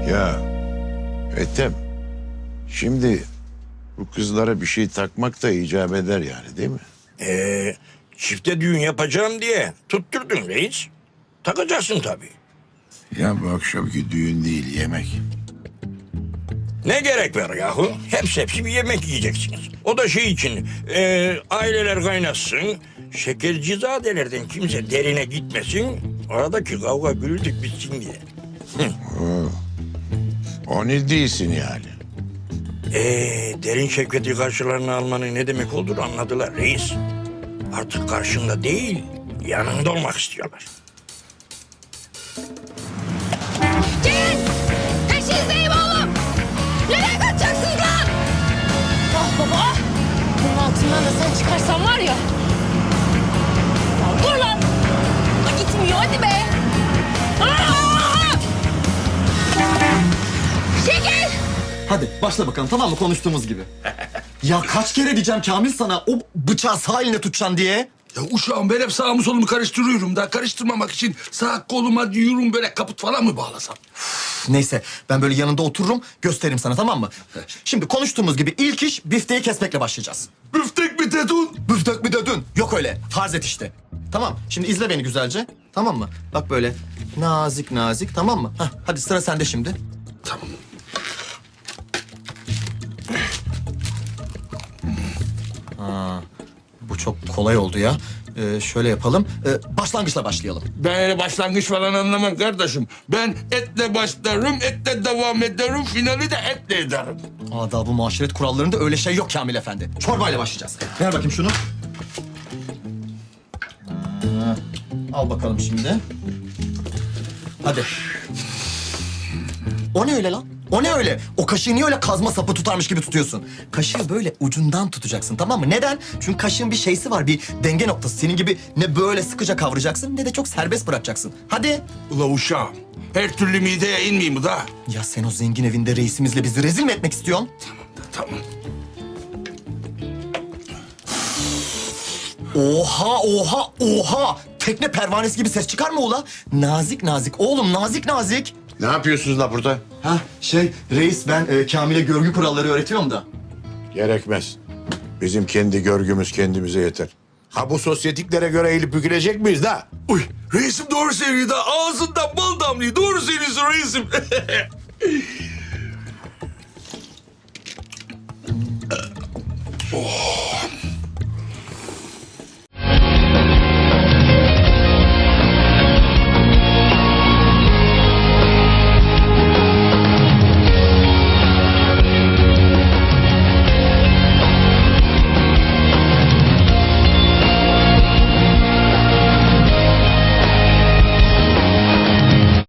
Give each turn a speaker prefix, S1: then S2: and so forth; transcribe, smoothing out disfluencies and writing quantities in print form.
S1: Ya Ethem, şimdi bu kızlara bir şey takmak da icap eder yani, değil mi?
S2: Çifte düğün yapacağım diye tutturdun reis. Takacaksın tabii.
S1: Ya bu akşamki düğün değil, yemek.
S2: Ne gerek var yahu? Hepsi bir yemek yiyeceksiniz. O da şey için, aileler kaynasın, şekercizadelerden kimse derine gitmesin, aradaki kavga gürültük bitsin diye.
S1: O ne değilsin yani?
S2: Derin şevketi karşılarına almanın ne demek olduğunu anladılar reis. Artık karşında değil, yanında olmak istiyorlar.
S3: Gelin! Peşinizdeyim oğlum! Nereye kaçacaksınız lan? Ah baba ah! Bunun altından da sen çıkarsan var ya. Ya dur lan! Ha, gitmiyor hadi be! Aa! Çekil!
S4: Hadi başla bakalım, tamam mı, konuştuğumuz gibi. Ya kaç kere diyeceğim Kamil sana o bıçağı sağ eline tutacaksın diye.
S5: Ya uşağım ben hep sağımı solumu karıştırıyorum da karıştırmamak için sağ koluma diyorum böyle kaput falan mı bağlasam?
S4: Neyse ben böyle yanında otururum, gösteririm sana, tamam mı? Şimdi konuştuğumuz gibi ilk iş bifteyi kesmekle başlayacağız.
S5: Büftek mi dedin?
S4: Büftek mi dedin? Yok öyle, farz et işte. Tamam, şimdi izle beni güzelce, tamam mı? Bak böyle nazik nazik, tamam mı? Heh, hadi sıra sende şimdi.
S5: Tamam.
S4: Bu çok kolay oldu ya. Şöyle yapalım, başlangıçla başlayalım.
S5: Ben öyle başlangıç falan anlamam kardeşim. Ben etle başlarım, etle devam ederim, finali de etle ederim.
S4: Adab-ı muaşeret kurallarında öyle şey yok Kamil Efendi. Çorbayla başlayacağız. Ver bakayım şunu. Al bakalım şimdi. Hadi. O ne öyle lan? O ne öyle? O kaşığı niye öyle kazma sapı tutarmış gibi tutuyorsun? Kaşığı böyle ucundan tutacaksın, tamam mı? Neden? Çünkü kaşığın bir şeysi var, bir denge noktası. Senin gibi ne böyle sıkıca kavrayacaksın ne de çok serbest bırakacaksın. Hadi.
S5: Ula uşağım, her türlü mideye inmeyeyim mi da?
S4: Ya sen o zengin evinde reisimizle bizi rezil mi etmek istiyorsun?
S5: Tamam.
S4: Oha, oha, oha! Tekne pervanesi gibi ses çıkar mı ula? Nazik nazik oğlum, nazik nazik.
S1: Ne yapıyorsunuz la burada?
S4: Ha reis ben Kamil'e görgü kuralları öğretiyorum da.
S1: Gerekmez. Bizim kendi görgümüz kendimize yeter. Ha bu sosyetiklere göre eğilip bükülecek miyiz da?
S5: Uy, reisim doğru söylüyor da ağzından bal damlıyor. Doğru söylüyorsun reisim.